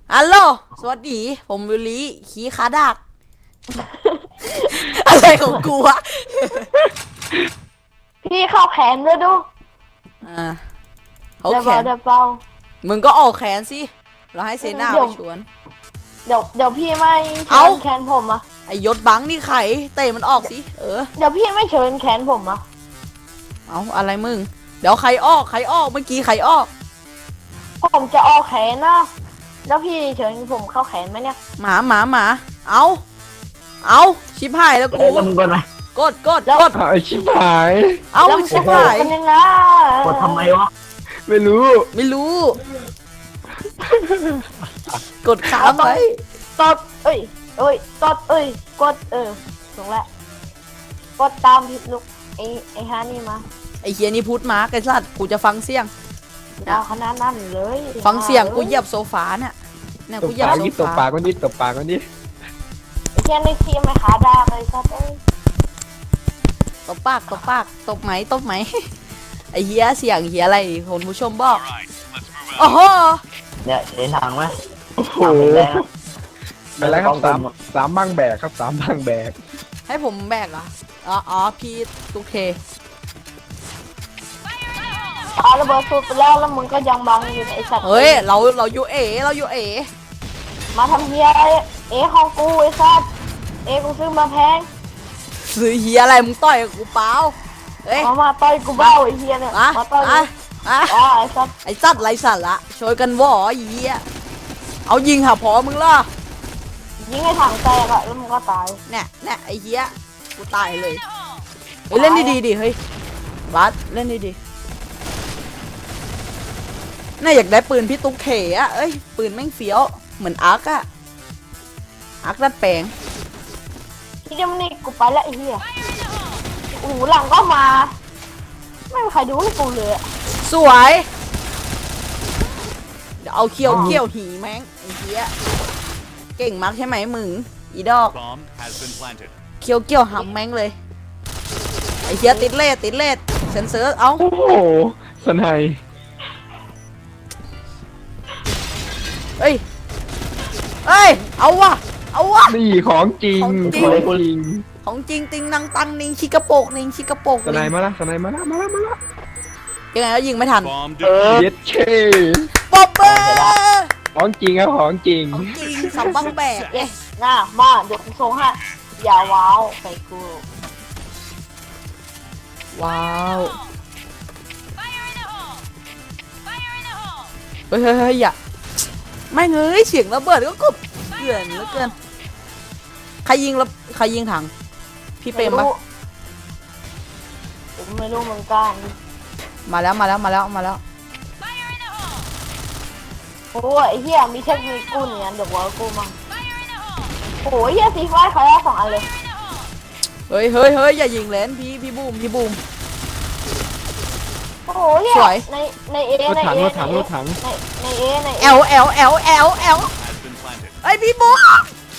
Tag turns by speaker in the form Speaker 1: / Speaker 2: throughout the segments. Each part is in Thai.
Speaker 1: ฮัลโหลสวัสดีผมวิลลี่ขี้ขาดัก อะไรของกูวะ
Speaker 2: พี่เข้าแขนด้วยดู
Speaker 1: อ่าเขา
Speaker 2: เดี๋ยว
Speaker 1: แข
Speaker 2: เบาน เดี๋ยวเบา
Speaker 1: มึงก็ออกแขนสิเราให้เซน่าไปชวน
Speaker 2: เดี๋ยวพี่ไม่
Speaker 1: เอ้า
Speaker 2: เชิญแขนผมอ่ะ
Speaker 1: ไอยศบังนี่ไข่เตะมันออกสิ
Speaker 2: เดี๋ยวพี่ไม่เชิญแขนผมอ่ะ
Speaker 1: เอาอะไรมึงเดี๋ยวใครออกเมื่อกี้ใครออก
Speaker 2: ผมจะออกแขนนะแล้วพี่เชิญผมเข้าแขนไหมเนี่ย
Speaker 1: หมาเอาชิบหายแล้วกู
Speaker 3: แล้วมึงกดไหม
Speaker 1: กด
Speaker 4: ไอชิบหาย
Speaker 1: เอา
Speaker 2: แล้วมัน
Speaker 1: ชิ
Speaker 2: จะ
Speaker 1: บหาย
Speaker 2: เป็นยังไง
Speaker 3: กดทำไมวะ
Speaker 4: ไม่รู้
Speaker 1: ไม่รู้ กดค้างไว้
Speaker 2: กดกดกดถูกแล้วกดตามผิดลูกไอ้ฮานี่มา
Speaker 1: ไอเฮียนี่พูดมาไอ้สัตว์กูจะฟังเสียง
Speaker 2: ดาวขนาดนั้นเลย
Speaker 1: ฟังเสียงกูเหยียบโซฟาเนี่ย
Speaker 4: ต
Speaker 1: กู
Speaker 4: บ
Speaker 1: เหยียบ
Speaker 4: ปาก
Speaker 1: โซ
Speaker 4: นิดตบ
Speaker 1: ฟา
Speaker 4: ปากมันนิดตบปากมันนิด
Speaker 2: ไอ้แค่ในทีมไม่ขาดาเลยครับเอ้ย
Speaker 1: ตบปากตบไหม ไอเฮียเสียงเฮียอะไรคนผู้ชมบอกโอ้โห
Speaker 3: เนี่ยเห็นทางไหม
Speaker 4: โอ้โห
Speaker 3: ทางเป็นแดงอะ
Speaker 4: อะไรครับสามบ้างแบกครับสามบ้างแบก
Speaker 1: ให้ผมแบกเหรออ๋อพี่ตุ๊กเค
Speaker 2: เอาระเบิดสูดไปแล้วมึงก็ยังบังอยู่ในไอ้สัตว์
Speaker 1: เฮ้ยเราอยู่เอ
Speaker 2: มาทำเฮียอะไรของกูไอ้สัตว์กูซื้อมาแพง
Speaker 1: ซื้อเฮียอะไรมึงต่อยกับกูเปล่าเอ้ย
Speaker 2: มาต่อยกูเบ้าไอ้เฮียเนี่ย
Speaker 1: อะ
Speaker 2: มาต่อย
Speaker 1: อะอะ
Speaker 2: อ๋อไอ้สัตว์
Speaker 1: ไอสัตว์ไรสัตว์ละช่วยกันวอไอ้เฮียเอายิงหาพอมึงล่ะ
Speaker 2: ยิงให้ถังแตกอะแล้วมึงก็ตาย
Speaker 1: เนี่ยไอเฮียกูตายเลยเฮ้ยเล่นดีๆดิเฮ้ยบัสเล่นดีๆน่าอยากได้ปืนพี่ตุ๊กเขอะเอ้ยปืนแม่งเฟี้ยวเหมือนอาร์คอะอาร์คดัดแปลง
Speaker 2: ที่เดียวนี่กูไปแล้วไอ้เฮียโอ้โหหลังก็มาไม่มีใครดูให้กูเลยอะ
Speaker 1: สวยเดี๋ยวเอาเกี่ยวหีแม่งไอ้เหี้ยเก่งมากใช่ไหมมึงอีดอก
Speaker 5: Bomb has been planted.
Speaker 1: เกี่ยวหำแม่งเลยไอ้เหี้ยติดเลสเซนเซอร์เอา
Speaker 4: โอ้โหสนาย
Speaker 1: เอ้ยเอาวะ
Speaker 4: นี่ของจริง
Speaker 1: ของจริง
Speaker 4: ของจริง
Speaker 1: ของจริงติงนังตังนิงชิกระโปกนิงชิกระโปก
Speaker 4: สนายมาละสนายมาละ
Speaker 1: ยังไงก็ยิงไม่ทัน
Speaker 5: Bomb
Speaker 4: เย็ดเช่
Speaker 1: ป๊อปเปอร์
Speaker 4: ของจริงครับของจริง
Speaker 1: ของจริงสับบังแบกเอ้ย
Speaker 2: น่ามาเดี๋ยวกูส่งให้อย่าว้าวใส่กู
Speaker 1: ว้าวเฮ้ยอย่าไม่เงยเสียงระเบิดก็กบเกลื่อนเหลือเกินใครยิงถังพี่เปรมปะ
Speaker 2: ผมไม่รู้เหมือนกัน
Speaker 1: มาแล้ว
Speaker 2: โอ้ยไอ้เหี้ยมีเทคนิคกูเนี่ยเดี๋ยวว่ากูมั่งโอ้ยเหี้ยสีฟ้าเขาได้2 อันเลย
Speaker 1: เฮ้ยอย่ายิงเลนพี่บูม
Speaker 2: โอ้โหเหี้ย
Speaker 1: สวย
Speaker 2: ในเอ
Speaker 4: รถ
Speaker 2: ใน
Speaker 4: ถัง
Speaker 2: เอ
Speaker 4: รถถังรถถัง
Speaker 2: ในเอใน
Speaker 1: แอล
Speaker 5: has been planted.
Speaker 1: ไอพี่บูม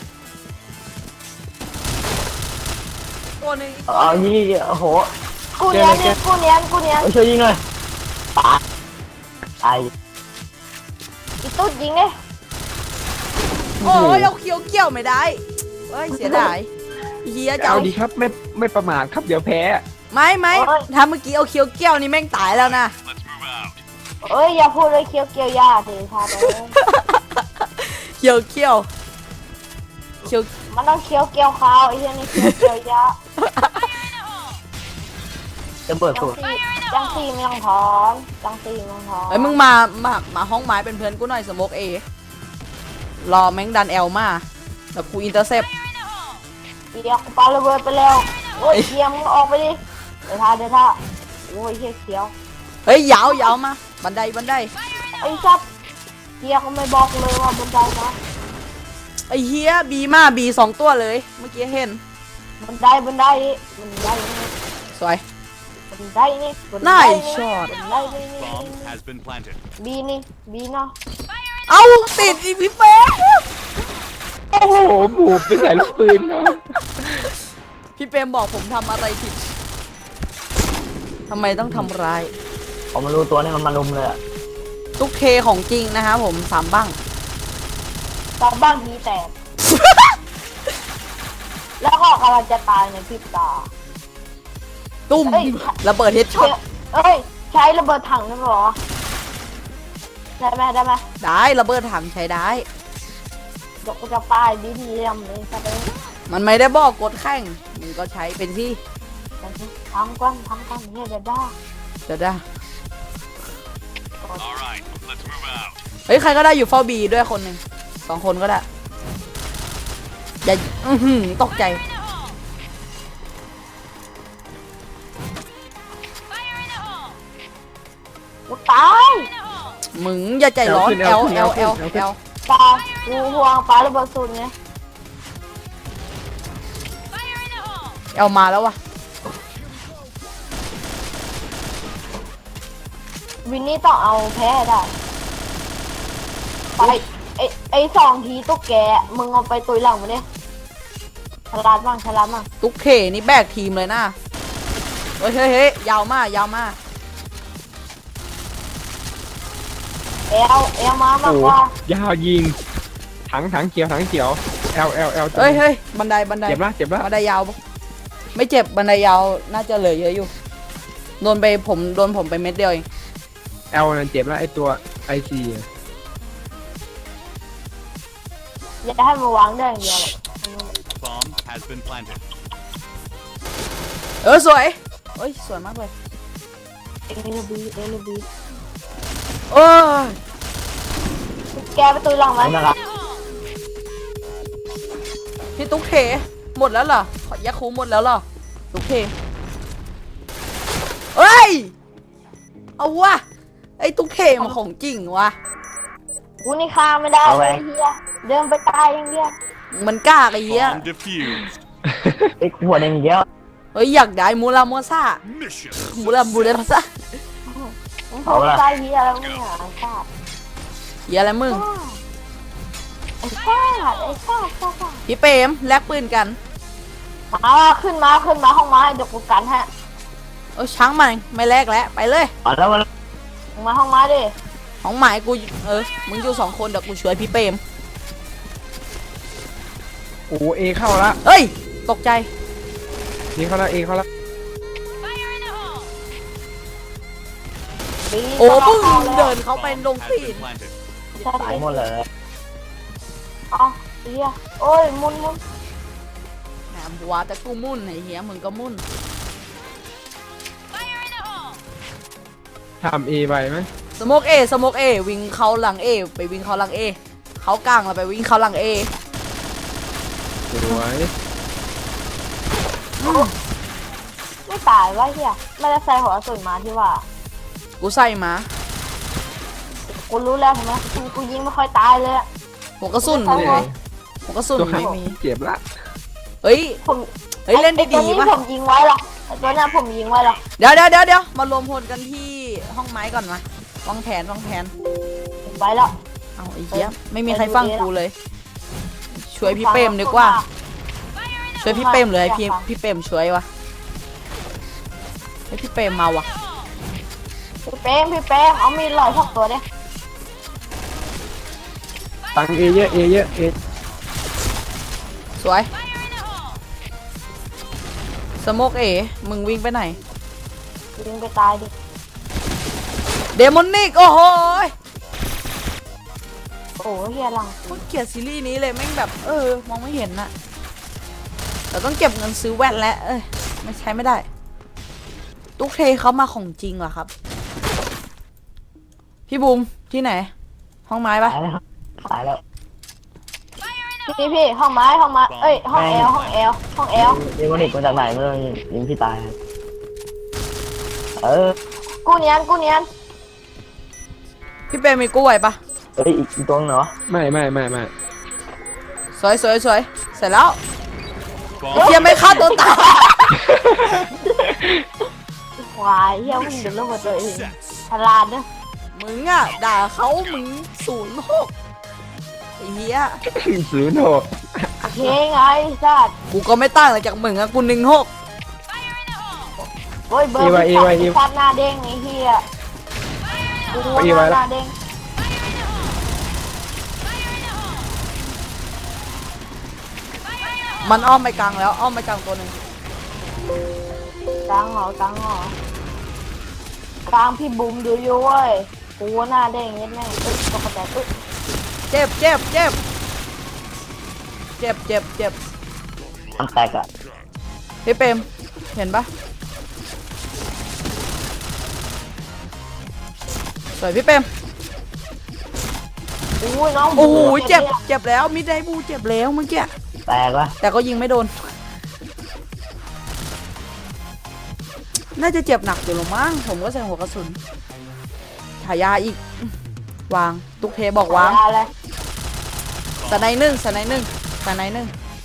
Speaker 1: ตัวนึง
Speaker 3: เอายี่โอ้โห
Speaker 2: กูเนียนเนี่ยกูเนียน
Speaker 3: เอาช่วยยิงหน่อยตายตาย
Speaker 2: อีตุ๊ดยิงเนี่ย
Speaker 1: โอ้ยเอาเกี่ยวไม่ได้เฮ้ยเสียดายเฮียจะ
Speaker 4: เอา
Speaker 1: เอา
Speaker 4: ดีครับไม่ประมาทครับเดี๋ยวแพ้
Speaker 1: ไม่ถ้าเมื่อกี้เอาเกี่ยวนี่แม่งตายแล้วนะ
Speaker 5: Let's move out.
Speaker 2: เอ้ยอย่าพูดเลยเคี้ยวเกี่ยวยาสิท่าเด้อ
Speaker 1: เกี่ยว
Speaker 2: มันต้องเคี้ยวเกี่ยวขาวไอ้เหี้ยนี่เคี้ยวเกี่ยวยา
Speaker 3: จะเบิดสูตร
Speaker 2: จังตีไม่ต้องถอนจังตีไม่ต้องถอน
Speaker 1: เฮ้ยมึงมาห้องไม้เป็นเพื่อนกูหน่อยสโมกเอรอแม่งดันแอลมาแล้วกูอินเตอร์เซป
Speaker 2: เดี๋ยวกูปาระเบิดไปแล้วโอ้ยเคี้ยวมึงออกไปดิเดี๋ยวท่าโอ้ยเคี้ยว
Speaker 1: เฮ้ยยาวมาบันได
Speaker 2: ไอ้ซับเคี้ยวเขาไม่บอกเลยว่าบันไดนะ
Speaker 1: ไอ้เฮียบี2 ตัวเลยเมื่อกี้เห็น
Speaker 2: บันไดนี่
Speaker 1: สวย
Speaker 2: บันไดนี่
Speaker 1: น่าช็อต
Speaker 2: บันไดนี่
Speaker 5: Bomb has been planted.
Speaker 2: บีเนาะ
Speaker 1: เอาติดอีพี่เป๊
Speaker 4: โอ้โหบูบไปใส่ลูกปืนเนาะ
Speaker 1: พี่เปรมบอกผมทำอะไรผิดทำไมต้องทำร้าย
Speaker 3: ผมมารู้ตัวนี่มันมาลุมเลยอะ
Speaker 1: ตุ๊กเคของจริงนะครับผม3 บ้าง
Speaker 2: ตอนบ้างทีแตก แล้วก็กำลังจะตายในพริบตา
Speaker 1: ตุ้ม
Speaker 2: เอ้ย
Speaker 1: ระเบิดเฮดช็อต
Speaker 2: เอ้ยใช้ระเบิดถังนั่นเหรอได้ไหม
Speaker 1: ได้ระเบิดถังใช้ได้
Speaker 2: เดี๋ยวกูจะป้ายดีๆทำเลยซะเลย
Speaker 1: มันไม่ได้บอกกดแข่งมึงก็ใช้เป็นที่
Speaker 2: ทำก่อนเนี่ยเดี๋ยวได้
Speaker 1: เดี๋ยวได้
Speaker 5: All right, let's move out.
Speaker 1: เฮ้ยใครก็ได้อยู่เฝ้าบีด้วยคนหนึ่ง2 คนก็ได้อย่าตกใจ
Speaker 2: กูตาย
Speaker 1: มึงอย่าใจร้อน L L L L
Speaker 2: ตายกูห่วงปลาระเบิดสูตรไง
Speaker 1: L มาแล้ววะ
Speaker 2: วินนี่ต้องเอาแพ้ให้ได้ไปไอ้2 ทีตุ๊กแกมึงเอาไปตุยหลังมาดิฉลาดบ้าง
Speaker 1: ตุ๊กเขนี่แบกทีมเลยนะเฮ้ยยาวมาก
Speaker 2: เอลมามาก
Speaker 4: โอ้
Speaker 2: กว่าย
Speaker 4: าวยิงถังเขียวL
Speaker 1: เฮ้ยบันได
Speaker 4: เจ็บละ
Speaker 1: บันไดยาวปะไม่เจ็บบันไดยาวน่าจะเหลือเยอะอยู่โดนผมไปเม็ดเดียวเอง
Speaker 4: L นั่นเจ็บละไอตัว IC
Speaker 2: อย่าให้มาวางได้อย่างเดียวหรอก
Speaker 5: Bomb has been planted.
Speaker 1: สวยเฮ้ยสวยมากเลย
Speaker 2: เอลบี
Speaker 1: โอ้ย
Speaker 2: แกไปตุยหลังไหม
Speaker 3: นั่นแหละ
Speaker 1: พี่ตุ๊กเขหมดแล้วเหรอขอยาคูหมดแล้วเหรอตุ๊กเขเฮ้ยเอาวะไอ้ตุ๊กเขมันของจริงวะ
Speaker 2: กูนี่ฆ่าไม่ได้เลยเฮียเดินไปตายอย่างเดียว
Speaker 1: มันกล้าไอ้เหี้ย
Speaker 5: Bomb defused.
Speaker 3: ไอ้หัวแดงเยอะ
Speaker 1: เฮ้ยอยากได้มูราโมซ่า
Speaker 5: Mission
Speaker 1: มูราซ่า
Speaker 2: มึงเข้าไปตายเฮียแล้วมึงอ่ะไอ้ชาติ
Speaker 1: เหี้ยอะไรมึง
Speaker 2: ไอ้ชาติ
Speaker 1: พี่เปรมแลกปืนกัน
Speaker 2: มาขึ้นมาห้องไม้เดี๋ยวกูกันฮะ
Speaker 1: ช้างมันไม่แลกแล้วไปเลย
Speaker 3: อ๋อแล้วมัน
Speaker 2: มึงมาห้องไม้ดิ
Speaker 1: ของหมายกูมึงอยู่2 คนเดี๋ยวกูช่วยพี่เปรม
Speaker 4: โอ้เอเข้าละ
Speaker 1: เฮ้ยตกใจ
Speaker 4: เอเข้าละ
Speaker 2: ดี
Speaker 1: โอ้มึงเดินเข้าไปลง
Speaker 5: has
Speaker 1: ตีน
Speaker 5: been planted.
Speaker 3: ตายหมดเลย
Speaker 2: เอาเฮียโอ้ยมุน
Speaker 1: แหมหัวแต่กูมุ่นไอ้เหี้ยมึงก็มุ่น
Speaker 4: ทำเอไปไหม
Speaker 1: สโมกเอวิ่งเข้าหลังเอไปวิ่งเข้าหลังเอเขากลางแล้วไปวิ่งเข้าหลังเอ
Speaker 4: สวย
Speaker 2: ไม่ตายวะเฮียไม่ได้ใส่หัวสุนมาที่ว่า
Speaker 1: กูใส่มา
Speaker 2: กูรู้แล้วทำไมกูยิงไม่ค่อยตายเลยอะ
Speaker 1: หัวกระสุน
Speaker 2: ไม่
Speaker 1: ไม่
Speaker 2: ใช่
Speaker 1: มีหัวกระสุน
Speaker 4: ตัว
Speaker 1: ไม่มี
Speaker 4: เจ็บละ
Speaker 1: เฮ้ย
Speaker 2: ผม
Speaker 1: เล่น
Speaker 2: ไอ้ตัว
Speaker 1: ดี
Speaker 2: นี้
Speaker 1: ๆป่ะ
Speaker 2: ผมยิงไว้หรอกไอ้ตัวนั้นผมยิงไว้หรอก
Speaker 1: เดี๋ยวมารวมพลกันที่ห้องไม้ก่อนมาวางแผน
Speaker 2: ไว้แล้ว
Speaker 1: เอาไอ้เหี้ยไม่มีใครฟังกูเลย ช่วยพี่เปรมดีกว่า ช่วยพี่เปรมเลยให้พี่เปรมช่วยวะให้พี่เปรมมาวะ
Speaker 2: พี่เป้งเอามีดลอย2 ตัวดิ
Speaker 4: ตังเอเยอะเอ
Speaker 1: สวยสโมกมึงวิ่งไปไหน
Speaker 2: ยิงไปตายดิ
Speaker 1: เดมอนิกโอ้โห
Speaker 2: โอ้เฮียหลัง
Speaker 1: กูเกลียดซีรีส์นี้เลยแม่งแบบมองไม่เห็นน่ะแต่ต้องเก็บเงินซื้อแว่นแล้วไม่ใช้ไม่ได้ตุ๊กเทเขามาของจริงเหรอครับพี่บูมที่ไหน ห้องไม้ปะ
Speaker 3: ตายแล้ว
Speaker 2: พี่ห้องไม้เอ้ยห้องแอล
Speaker 3: นี่มันหนีมาจากไหนเมื่อยิงพี่ตาย
Speaker 2: กูเนียน
Speaker 1: พี่เปรมมีกู้ไหวปะ
Speaker 3: เฮ้ยอีกตัวเหรอ
Speaker 4: ไม่
Speaker 1: สวยเสร็จแล้ว
Speaker 5: Bomb
Speaker 1: เฮียไม่ฆ่าตัวตาย
Speaker 2: ควายเฮียมึงเดือดร้อนตัวเอง
Speaker 5: set.
Speaker 2: ฉลาดเนอะ
Speaker 1: มึงอ่ะด่าเขามึง06ไอ้เฮีย
Speaker 4: 06
Speaker 2: โอเคไงสัตว์
Speaker 1: กูก็ไม่ต่างอะไรจากมึงอะกู16
Speaker 2: โอ้ยเบอร์พี่สัตว์หน้าเด้งไอ้เฮียกูว่าหน้าเด้ง
Speaker 1: มันอ้อมไปกลางแล้วอ้อมไปกลางตัวหนึ่ง
Speaker 2: กลางเหรอกลางเหรอกลางพี่บุ๋มดูอยู่เว้ยกูหน้าเด้งนิดแม่งตึ๊ดตกใจตึ๊ด
Speaker 1: เจ็บเจ็บเจ็บเจ็บเจ็บเจ็บ
Speaker 3: มันแตกอะ
Speaker 1: พี่เปรมเห็นปะสวยพี่เปรม
Speaker 2: อุ้ยน้อง
Speaker 1: โอ้โหเจ็บเจ็บแล้วมิดไดบูเจ็บแล้วเมื่อกี้
Speaker 3: แตกวะ
Speaker 1: แต่ก็ยิงไม่โดน น่าจะเจ็บหนักอยู่หรอมั้งผมก็ใส่หัวกระสุนฉายาอีกวางตุกเทบอกวาง
Speaker 2: อะไร
Speaker 1: สไนหนึ่งสไนหนึ่งสไนหนึ่ง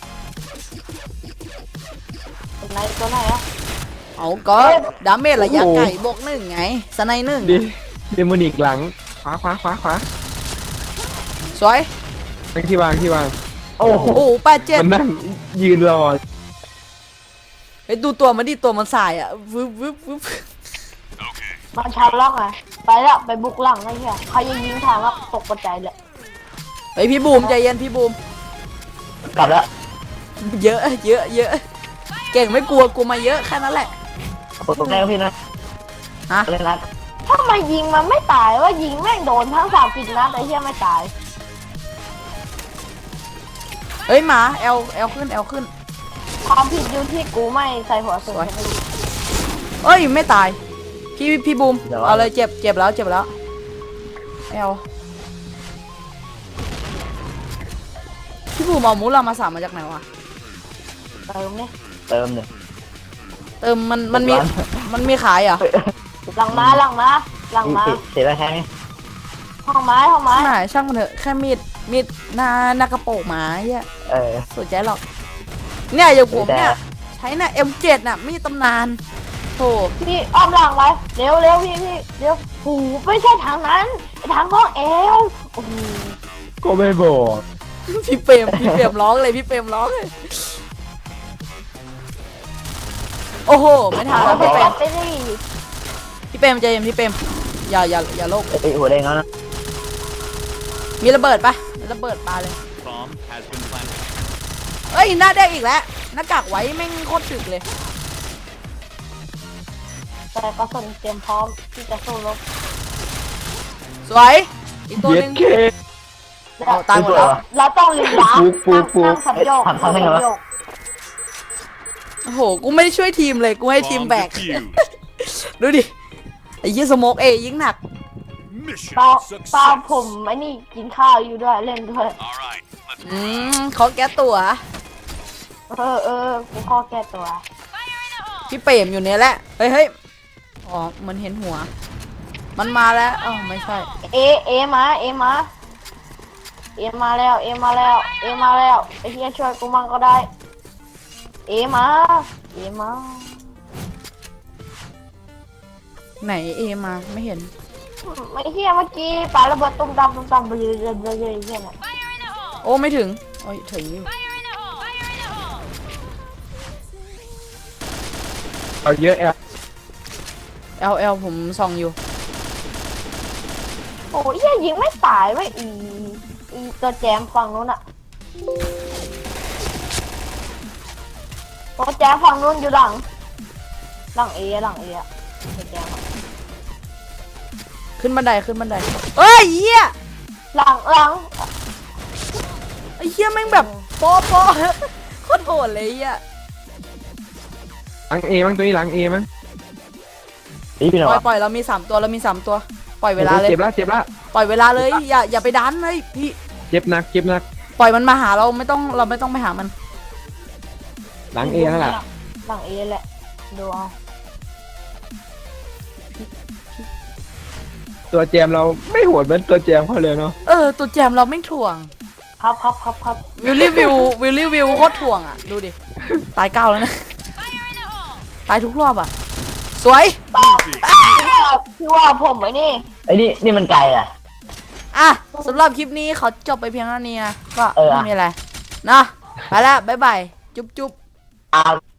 Speaker 2: ตัวไหนตัวไหนอะ
Speaker 1: เอาก็ดาเมจระยะไกลบวกหนึ่งไงสไนหนึ่ง
Speaker 4: ดิเดมอนิกหลังขวาขวาขวาขวา
Speaker 1: สวย
Speaker 4: ที่วางที่วาง
Speaker 3: โอ้โห
Speaker 1: โอ้โห87
Speaker 4: มันนั่งยืนรอ
Speaker 1: เฮ้ยดูตัวมันดิตัวมันสายอ่ะวึบวึบวึบ
Speaker 2: มันชันล็อกไงไปแล้วไปบุกหลังไอ้เหี้ยใครจะยิงทางแล้วตกกระจายเลย
Speaker 1: เฮ้ยพี่บูมใจเย็นพี่บูม
Speaker 3: กลับแล้ว
Speaker 1: เยอะเยอะเยอะเก่งไม่กลัวกูมาเยอะแค่นั้นแหละ
Speaker 3: กดตรงไหนพี่นะ
Speaker 1: ฮะ
Speaker 3: เล่นนัด
Speaker 2: ถ้ามายิงมันไม่ตายว่ายิงแม่งโดนทั้ง30 นัดไอ้เหี้ยไม่ตาย
Speaker 1: เฮ้ยหมาเอลขึ้นเอลขึ้น
Speaker 2: ความผิดอยู่ที่กูไม่ใส่หัวสูง
Speaker 1: เอ้ยไม่ตายพี่บูมเอาเลยเจ็บเจ็บแล้วเจ็บแล้วเอลพี่บูมเอามูลามาสามมาจากไหนวะ
Speaker 2: เติมเนี่ย
Speaker 3: เติมหนึ่ง
Speaker 1: เติมมันมีขายเหรอ่ะ
Speaker 2: หลังมาหลังมาหลังมา
Speaker 3: เสียแล้วแค่นี้
Speaker 2: ห้องไม้ห้องไม้
Speaker 1: ไม่ช่างมันเถอะแค่มีดหน้ากระโปรงหมาเหี้ย
Speaker 3: เออ
Speaker 1: สนใจหรอกเนี่ยอย่างผมเนี่ยใช้น่ะ M7 น่ะมีดตำนานโธ่
Speaker 2: พี่อ้อมหลังไว้เร็วเร็วพี่เร็วหูไม่ใช่ทางนั้นทางห้องเอวโอ้โห
Speaker 4: ก็ไม่บอก
Speaker 1: พี่เปรมร้องเลยพี่เปรมร้องเลยโอ้โหไม่ทันแล้ว
Speaker 2: ไป
Speaker 1: พี่เปร
Speaker 2: จั
Speaker 1: ม
Speaker 2: บไปดิ
Speaker 1: พี่เปรมใจเย็นพี่เปรมอย่าโลก
Speaker 3: ไอ้หัวแดงแล้วนะ
Speaker 1: มีระเบิดปะระเบิดปาเลย
Speaker 5: Bomb has been planted.
Speaker 1: เอ้ยหน้าแดงอีกแล้วหน้ากากไว้แม่งโคตรถึกเลย
Speaker 2: แต่ก็สนเตรียมพร้อมที่จะสู้รบ
Speaker 1: สวยอีกตัว
Speaker 4: เย็
Speaker 1: ห
Speaker 4: ด
Speaker 1: นึง
Speaker 4: เค
Speaker 1: เอาตายหมดแล้ว
Speaker 2: เราต้องลีลา
Speaker 4: ปุ๊บ
Speaker 2: นั่งสับโยกสับโยก
Speaker 1: โอ้โหกูไม่ได้ช่วยทีมเลยกูให้ทีม
Speaker 5: Bomb
Speaker 1: แบก
Speaker 5: defused.
Speaker 1: ดูดิไอ้ยี่สโมกยิ่งหนัก
Speaker 5: Mission
Speaker 2: เปล่าผม
Speaker 5: success.
Speaker 2: ไอ้นี่กินข้าวอยู่ด้วยเล่นด้วย
Speaker 5: All right, let's
Speaker 1: เขาแก้ตัว
Speaker 2: กูข้อแก้ตัว
Speaker 1: พี่เปรมอยู่เนี่ยแหละเฮ้ยอ๋อมันเห็นหัว มันมาแล้วอ๋อไม่ใช่
Speaker 2: เอมาเอมาแล้วไอ้เฮียช่วยกูมั่งก็ได้เอมา
Speaker 1: ไหนมาไม่เห็น
Speaker 2: ไม่เฮียเมื่อกี้ปาระเบิดตุ้มตำไปเลยเฮียน่ะ
Speaker 1: โอ้ไม่ถึงโอ้ยถึงอยู่
Speaker 4: เอาเยอะแอล
Speaker 1: เอลผมส่องอยู่
Speaker 2: โอ้ยเฮียยิงไม่ตายเว้ยอีตัวแจมฝั่งนู้นอะตัวแจมฝั่งนู้นอยู่หลังเออะตัวแจมอะ
Speaker 1: ขึ้นบันไดเอ้ยเหี้ย
Speaker 2: หลัง
Speaker 1: ไอ้เหี้ยแม่งแบบโป๊ะโคตรโหดเลยเหี้ย
Speaker 4: หลังเอมั้งตัวนี้หลังเอมั้ง
Speaker 3: นี่พี่หน่อย
Speaker 1: ปล่อยเรามี3ตัวปล่อยเวลาเลย
Speaker 4: เจ็บละเจ็บละ
Speaker 1: ปล่อยเวลาเลยอย่าไปดันเลยพี่
Speaker 4: เจ็บหนักเจ็บหนัก
Speaker 1: ปล่อยมันมาหาเราไม่ต้องไปหามัน
Speaker 4: หลังเอนั่นแหละ
Speaker 2: หลังเอแหละดูเอา
Speaker 4: ตัวแจมเราไม่โหดเหมือนตัวแจมเขาเลยเนาะ
Speaker 1: ตัวแจมเราไม่ถ่วง
Speaker 2: ครับ
Speaker 1: วิลลี่วิวโคตรถ่วงอ่ะดูดิตาย9แล้วนะตายทุกรอบอ่ะสวย
Speaker 2: พี่ว่าผมไอ้นี่
Speaker 3: ไอ้นี่มันไกลอ่ะ
Speaker 1: อ่ะสำหรับคลิปนี้ขอจบไปเพียงเท่านี้นะก็
Speaker 3: เออ
Speaker 1: ไม่มีอะไรนะไปแล้วบ๊ายบายจุ๊บ
Speaker 3: อ้าว